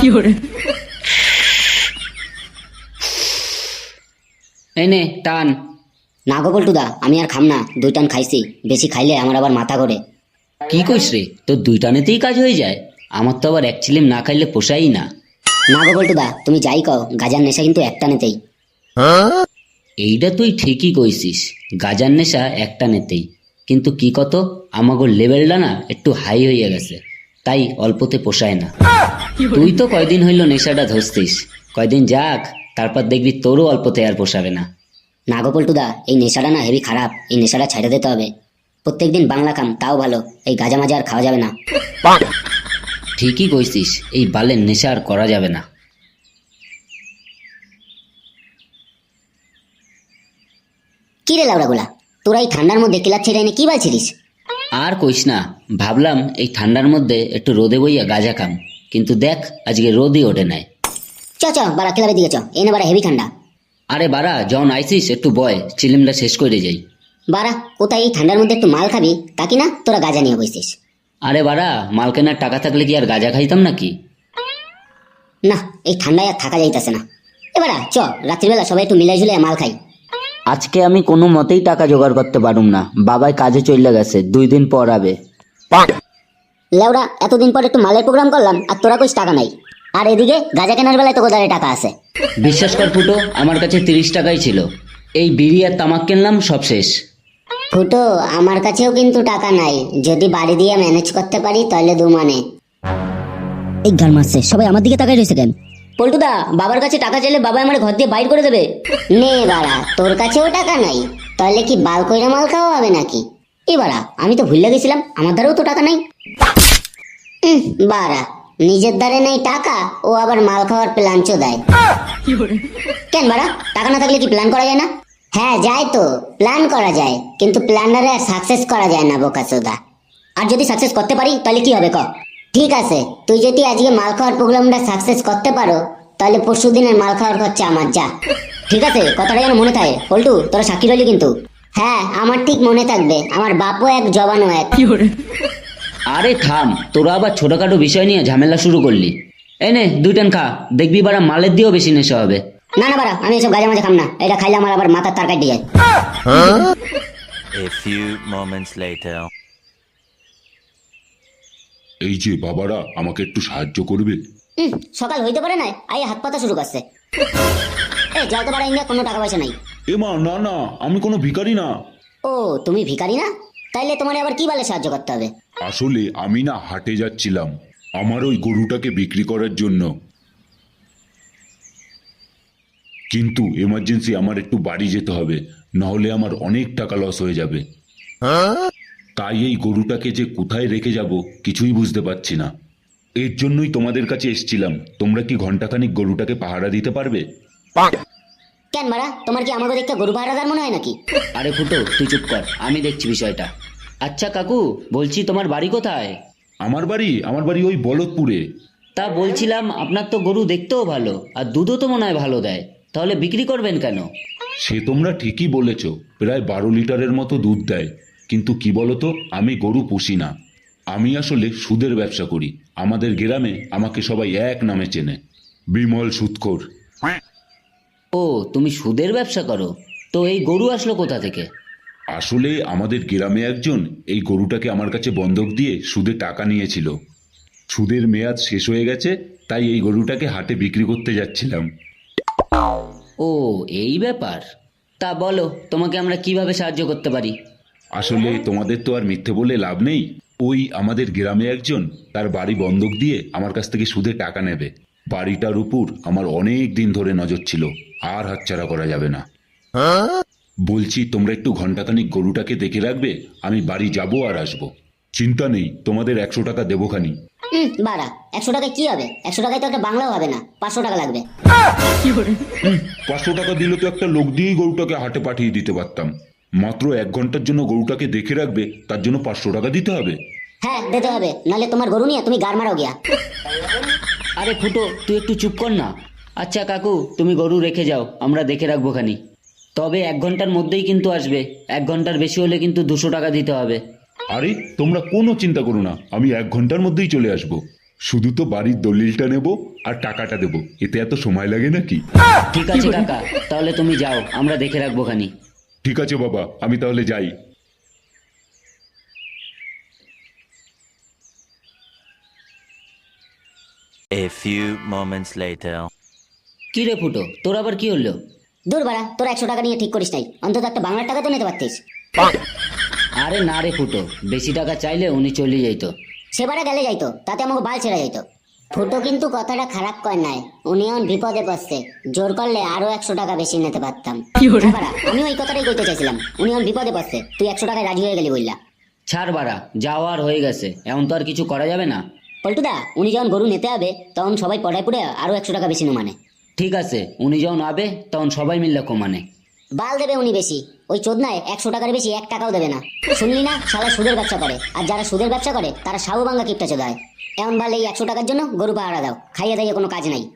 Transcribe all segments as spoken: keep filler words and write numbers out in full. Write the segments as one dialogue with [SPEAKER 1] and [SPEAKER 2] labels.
[SPEAKER 1] এনে টান।
[SPEAKER 2] না গো পল্টুদা, আমি আর খাম না, দুই টান খাইছি, বেশি খাইলে আমার আবার মাথা ঘোরে।
[SPEAKER 1] কি কইস রে, তোর দুই টানেতেই কাজ হয়ে যায়? আমার তো আবার এক চিলিম না খাইলে পোষাই না।
[SPEAKER 2] না গো পল্টুদা, তুমি যাই কও, গাজার নেশা কিন্তু এক টানেতেই।
[SPEAKER 1] এইটা তুই ঠিকই কইছিস, গাজার নেশা একটা নেতেই, কিন্তু কি কত আমাগোর লেভেলটা না একটু হাই হইয়া গেছে, তাই অল্পতে পোষায় না। তুই তো কয়দিন হইল নেশাটা ধরছিস, কয়দিন যাক, তারপর দেখবি তোরও অল্পতে আর পোষাবে না।
[SPEAKER 2] না গো পল্টুদা, এই নেশাটা না হেভি খারাপ, এই নেশাটা ছেড়ে দিতে হবে। প্রত্যেকদিন বাংলা খাম তাও ভালো, এই গাজা মাজা আর খাওয়া যাবে না।
[SPEAKER 1] ঠিকই কইছিস, এই বালের নেশা আর করা যাবে না।
[SPEAKER 2] কি রে লাউড়াগুলা, তোরা এই ঠান্ডার মধ্যে কিলার ছেড়ে এনে কি বালছিলিস?
[SPEAKER 1] আর কইস না, ভাবলাম এই ঠান্ডার মধ্যে একটু রোদে বইয়া গাঁজা খাম, কিন্তু দেখ আজকে রোদই ওঠে নাই।
[SPEAKER 2] চ চ বাড়া ক্লাবে দিকে চ, এনে বাড়া হেভি ঠান্ডা।
[SPEAKER 1] আরে বাড়া, যখন আইসিস একটু বয়, চিলিমটা শেষ করে যাই।
[SPEAKER 2] বাড়া কোথায় এই ঠান্ডার মধ্যে একটু মাল খাবি, তা কি না তোরা গাজা নিয়ে বসছিস?
[SPEAKER 1] আরে বাড়া, মাল কেনার টাকা থাকলে কি আর গাঁজা খাইতাম নাকি?
[SPEAKER 2] না, এই ঠান্ডায় আর থাকা যাইতেছে না। এবারা চ, রাত্রিবেলা সবাই একটু মিলাই ঝুলে মাল খাই।
[SPEAKER 1] আজকে আমি কোনো মতেই টাকা জোগাড় করতে পারুম না, বাবাই কাজে চলে গেছে, দুই দিন পর আবে।
[SPEAKER 2] লেওড়া, এতদিন পর একটু মালের প্রোগ্রাম করলাম আর তোরা কইস টাকা নাই, আর এদিকে গাজা কেনার বেলায় তো গোদারে টাকা আছে।
[SPEAKER 1] বিশ্বাস কর ফুটো, আমার কাছে তিরিশ টাকাই ছিল, এই বিড়ি আর তামাক কিনলাম, সব শেষ।
[SPEAKER 2] ফুটো, আমার কাছেও কিন্তু টাকা নাই, যদি বাড়ি দিয়ে ম্যানেজ করতে পারি তাহলে দু মানে। এই গান মারছে, সবাই আমার দিকে তাকাই রয়েছে কেন? পল্টুদা, বাবার কাছে টাকা চাইলে বাবা আমার ঘর দিয়ে বাইর করে দেবে। নে বাড়া, তোর কাছেও টাকা নাই, তাহলে কি বাল কইরা মাল খাওয়া হবে নাকি? এ বাড়া, আমি তো ভুলে গেছিলাম আমার দ্বারাও তো টাকা নাই। উম, বাড়া, নিজের দ্বারে নেই টাকা, ও আবার মাল খাওয়ার প্ল্যান চো দেয়। কেন বাড়া, টাকা না থাকলে কি প্ল্যান করা যায় না? হ্যাঁ যায় তো, প্ল্যান করা যায়, কিন্তু প্ল্যানারে আর সাকসেস করা যায় না বোকাচোদা। আর যদি সাকসেস করতে পারি তাহলে কি হবে ক? ঠিক আছে, তুই যদি আজকে মাল খাওয়ার প্রোগ্রামটা সাকসেস করতে পারো, তাহলে পরশু দিনের মাল খাওয়ার খরচা আমার, যা। ঠিক আছে, কথাটা যেন মনে থাকে পল্টু, তোরা সাক্ষী রইলি কিন্তু। হ্যাঁ, আমার ঠিক মনে থাকবে, আমার বাপও এক জবানও এক।
[SPEAKER 1] আরে থাম, তোরা আবার ছোটখাটো বিষয় নিয়ে ঝামেলা শুরু করলি। এনে দুই টান খা, দেখবি বাড়া মালের দিয়েও বেশি নেশা হবে।
[SPEAKER 2] না না বাড়া, আমি এসব গাজা মাজা খাম না, এটা খাইলে আমার আবার মাথার তার কাটি যায়।
[SPEAKER 3] A few moments later.
[SPEAKER 4] এই যে বাবারা, আমাকে একটু সাহায্য করবে?
[SPEAKER 2] হুম, সকাল হইতে পারে না, আই হাত পাতা শুরু করছে। এই যাও তো বাড়া, ইন্ডিয়া কোনো টাকা পয়সা নাই।
[SPEAKER 4] এ মা, না না, আমি কোনো ভিখারি না।
[SPEAKER 2] ও, তুমি ভিখারি না? তাইলে তোমার আবার কি বলে সাহায্য করতে হবে?
[SPEAKER 4] আসলে আমি না হাটে যাচ্ছিলাম আমার ওই গরুটাকে বিক্রি করার জন্য, কিন্তু এমার্জেন্সি আমার একটু বাড়ি যেতে হবে, নাহলে আমার অনেক টাকা লস হয়ে যাবে। তাই এই গরুটাকে যে কোথায় রেখে যাব কিছুই বুঝতে পারছি না। এর জন্যই তোমাদের কাছে এসেছিলাম, তোমরা কি ঘন্টাখানিক গরুটাকে পাহারা দিতে পারবে?
[SPEAKER 2] কেন মারা, তোমার কি আমাকে দেখতে গরু পাহারাদার মনে হয় নাকি?
[SPEAKER 1] আরে ফুটো, তুই চুপ কর, আমি দেখছি বিষয়টা। আচ্ছা কাকু, বলছি তোমার বাড়ি কোথায়?
[SPEAKER 4] আমার বাড়ি আমার বাড়ি ওই বলদপুরে।
[SPEAKER 1] তা বলছিলাম, আপনার তো গরু দেখতেও ভালো, আর দুধও তো মনে হয় ভালো দেয়, তাহলে বিক্রি করবেন কেন?
[SPEAKER 4] সে তোমরা ঠিকই বলেছ, প্রায় বারো লিটারের মতো দুধ দেয়, কিন্তু কি বলতো, আমি গরু পুষি না, আমি আসলে সুদের ব্যবসা করি। আমাদের গ্রামে আমাকে সবাই এক নামে চেনে, বিমল সুদখোর।
[SPEAKER 1] ও, তুমি সুদের ব্যবসা করো? তো এই গরু আসলো কোথা থেকে?
[SPEAKER 4] আসলে আমাদের গ্রামে একজন এই গরুটাকে আমার কাছে বন্ধক দিয়ে সুদে টাকা নিয়েছিল, সুদের মেয়াদ শেষ হয়ে গেছে, তাই এই গরুটাকে হাটে বিক্রি করতে যাচ্ছিলাম।
[SPEAKER 1] ও, এই ব্যাপার। তা বলো, তোমাকে আমরা কিভাবে সাহায্য করতে পারি?
[SPEAKER 4] আসলে তোমাদের তো আর মিথ্যে বলে লাভ নেই, ওই আমাদের গ্রামে একজন তার বাড়ি বন্ধক দিয়ে আমার কাছ থেকে সুদে টাকা নেবে। বাড়িটার উপর আমার অনেক দিন ধরে নজর ছিল, আর হাতছাড়া করা যাবে না। বলছি তোমরা একটু ঘন্টাখানিক গরুটাকে দেখে রাখবে, আমি বাড়ি যাব আর আসবো। চিন্তা নেই, তোমাদের একশো টাকা দেবোখানি।
[SPEAKER 2] হুম, বাড়া, একশো টাকায় কি হবে? একশো টাকায় তো একটা বাংলাও হবে না, পাঁচশো টাকা লাগবে।
[SPEAKER 4] পাঁচশো টাকা দিলে তো একটা লোক দিয়েই গরুটাকে হাটে পাঠিয়ে দিতে পারতাম। মাত্র এক ঘন্টার জন্য গরুটাকে দেখে রাখবে, তার জন্য পাঁচশো টাকা দিতে হবে?
[SPEAKER 2] হ্যাঁ, দিতে হবে, নাহলে তোমার গরু নিয়ে তুমি গার মারাও গিয়া।
[SPEAKER 1] আরে ফুটো, তুই একটু চুপ কর না। আচ্ছা কাকু, তুমি গরু রেখে যাও, আমরা দেখে রাখবো খানি। তবে এক ঘন্টার মধ্যেই কিন্তু আসবে, এক ঘন্টার বেশি হলে কিন্তু দুশো টাকা দিতে হবে।
[SPEAKER 4] আরে তোমরা কোনো চিন্তা করো না, আমি এক ঘন্টার মধ্যেই চলে আসবো। শুধু তো বাড়ির দলিলটা নেব আর টাকাটা দেব, এতে এত সময় লাগে নাকি?
[SPEAKER 1] ঠিক আছে কাকা, তাহলে তুমি যাও, আমরা দেখে রাখবো খানি।
[SPEAKER 4] ঠিক আছে বাবা, আমি তাহলে যাই।
[SPEAKER 3] A few moments later.
[SPEAKER 1] কি রে ফুটো, তোর আবার কি হলো?
[SPEAKER 2] দূর বাড়া, তোরা একশো টাকা নিয়ে ঠিক করিস নাই, অন্তত একটা বাংলার টাকা তো নিতে পারতিস।
[SPEAKER 1] আরে না রে ফুটো, বেশি টাকা চাইলে উনি চলে যাইতো।
[SPEAKER 2] সেবারে গেলে যাইতো, তাতে আমাকে বাল ছেড়ে যাইতো। ফুটো কিন্তু কথাটা খারাপ কর নাই, উনি এখন বিপদে পড়ছে, জোর করলে আরো একশো টাকা বেশি নিতে পারতাম। হ্যাঁ বাড়া, আমি ওই কথাটাই কইতে চাইছিলাম, উনি এখন বিপদে পড়ছে, তুই একশো টাকায় রাজি হয়ে গেলি বললা।
[SPEAKER 1] ছাড় বাড়া, যাওয়ার হয়ে গেছে, এমন তো আর কিছু করা যাবে না।
[SPEAKER 2] পল্টুদা, উনি যখন গরু নিতে হবে তখন সবাই পড়ায় পড়ে আরো একশো টাকা বেশি মানে।
[SPEAKER 1] ঠিক আছে, উনি যখন আবে তখন সবাই মিললে কমানে।
[SPEAKER 2] বাল দেবে উনি বেশি, ওই চোদনায় একশো টাকার বেশি এক টাকাও দেবে না। শুনলি না, সারা সুদের ব্যবসা করে, আর যারা সুদের ব্যবসা করে তারা সাহু ভাঙ্গা কিপটা চোদায়। এমন বাল এই একশো টাকার জন্য গরু পাহারা দাও, খাইয়ে দাইয়ে কোনো কাজ নাই।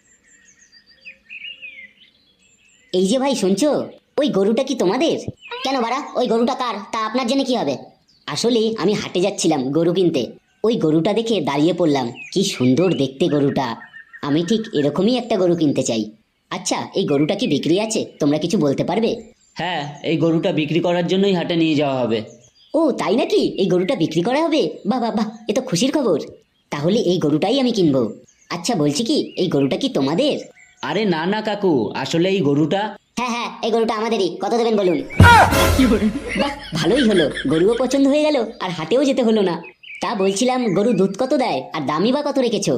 [SPEAKER 2] এই যে ভাই শুনছো, ওই গরুটা কি তোমাদের? কেন বাড়া, ওই গরুটা কার তা আপনার জন্য কি হবে? আসলে আমি হাটে যাচ্ছিলাম গরু কিনতে, ওই গরুটা দেখে দাঁড়িয়ে পড়লাম, কি সুন্দর দেখতে গরুটা, আমি ঠিক এরকমই একটা গরু কিনতে চাই। আচ্ছা, এই গরুটা কি বিক্রি আছে, তোমরা কিছু বলতে পারবে?
[SPEAKER 1] হ্যাঁ, এই গরুটা বিক্রি করার জন্যই হাটে নিয়ে যাওয়া হবে।
[SPEAKER 2] ও তাই নাকি, এই গরুটা বিক্রি করা হবে? বাহ বাহ বাহ, এ তো খুশির খবর। তাহলে এই গরুটাই আমি কিনবো। আচ্ছা বলছি কি, এই গরুটা কি তোমাদের?
[SPEAKER 1] আরে না না কাকু, আসলে এই গরুটা।
[SPEAKER 2] হ্যাঁ হ্যাঁ, এই গরুটা আমাদেরই, কত দেবেন বলুন? বাহ, ভালোই হলো, গরুও পছন্দ হয়ে গেল আর হাটেও যেতে হলো না। তা বলছিলাম, গরু দুধ কত দেয় আর দামই বা কত রেখেছো?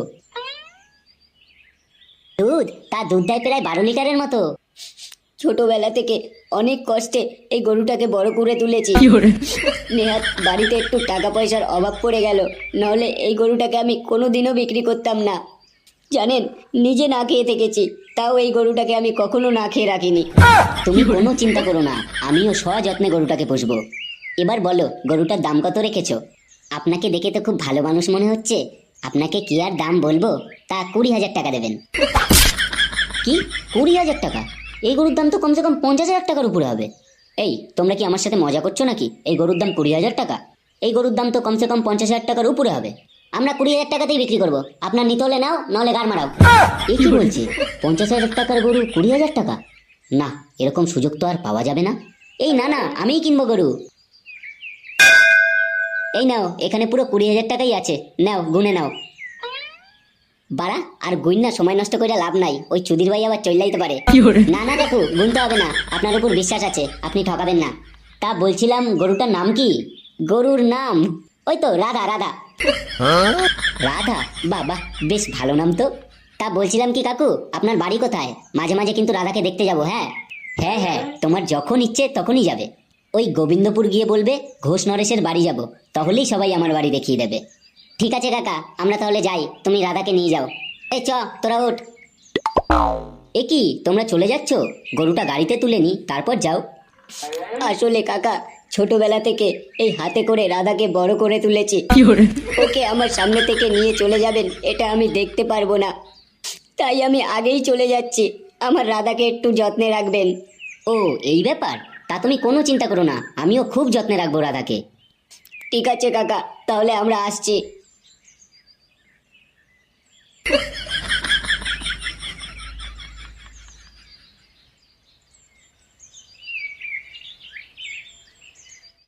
[SPEAKER 2] দুধ, তা দুধ দেয় প্রায় বারো লিটারের মতো। ছোটবেলা থেকে অনেক কষ্টে এই গরুটাকে বড় করে তুলেছি। নেহাত বাড়িতে একটু টাকা পয়সার অভাব পড়ে গেল, নাহলে এই গরুটাকে আমি কোনোদিনও বিক্রি করতাম না। জানেন, নিজে না খেয়ে থেকেছি, তাও এই গরুটাকে আমি কখনো না খেয়ে রাখিনি। তুমি কোনো চিন্তা করো না, আমিও সযত্নে গরুটাকে পুষবো। এবার বলো, গরুটার দাম কত রেখেছো? আপনাকে দেখে তো খুব ভালো মানুষ মনে হচ্ছে, আপনাকে কি আর দাম বলবো, তা কুড়ি হাজার টাকা দেবেন। কি, কুড়ি হাজার টাকা? এই গরুর দাম তো কমসে কম পঞ্চাশ হাজার টাকার উপরে হবে। এই, তোমরা কি আমার সাথে মজা করছো নাকি? এই গরুর দাম কুড়ি হাজার টাকা? এই গরুর দাম তো কমসে কম পঞ্চাশ হাজার টাকার উপরে হবে। আমরা কুড়ি হাজার টাকাতেই বিক্রি করবো, আপনার নিতে হলে নাও, নাহলে গাড় মারাও। এই কি বলছি, পঞ্চাশ হাজার টাকার গরু কুড়ি হাজার টাকা? না, এরকম সুযোগ তো আর পাওয়া যাবে না। এই না না, আমিই কিনবো গরু। এই নাও, এখানে পুরো কুড়ি হাজার টাকাই আছে, নাও গুনে নাও। বাড়া, আর গুণ না, সময় নষ্ট করে লাভ নাই, ওই চুদির ভাই আবার চলে যাইতে পারে। না না দেখো, গুনতে হবে না, আপনার উপর বিশ্বাস আছে, আপনি ঠকাবেন না। তা বলছিলাম, গরুটার নাম কি? গরুর নাম ওই তো রাধা। রাধা? রাধা, বাবা বেশ ভালো নাম তো। তা বলছিলাম কি কাকু, আপনার বাড়ি কোথায়? মাঝে মাঝে কিন্তু রাধাকে দেখতে যাব। হ্যাঁ হ্যাঁ হ্যাঁ, তোমার যখন ইচ্ছে তখনই যাবে। ওই গোবিন্দপুর গিয়ে বলবে ঘোষ নরেশের বাড়ি যাব, তাহলেই সবাই আমার বাড়ি দেখিয়ে দেবে। ঠিক আছে কাকা, আমরা তাহলে যাই, তুমি রাধাকে নিয়ে যাও। এই চ, তোরা উঠ। এ কি, তোমরা চলে যাচ্ছ? গরুটা গাড়িতে তুলে নি, তারপর যাও। আসলে কাকা, ছোটবেলা থেকে এই হাতে করে রাধাকে বড় করে তুলেছি, ওকে আমার সামনে থেকে নিয়ে চলে যাবেন এটা আমি দেখতে পারবো না, তাই আমি আগেই চলে যাচ্ছি। আমার রাধাকে একটু যত্নে রাখবেন। ও এই ব্যাপার, তা তুমি কোনো চিন্তা করো না, আমিও খুব যত্নে রাখবো রাধাকে। ঠিক আছে কাকা, তাহলে আমরা আসছি।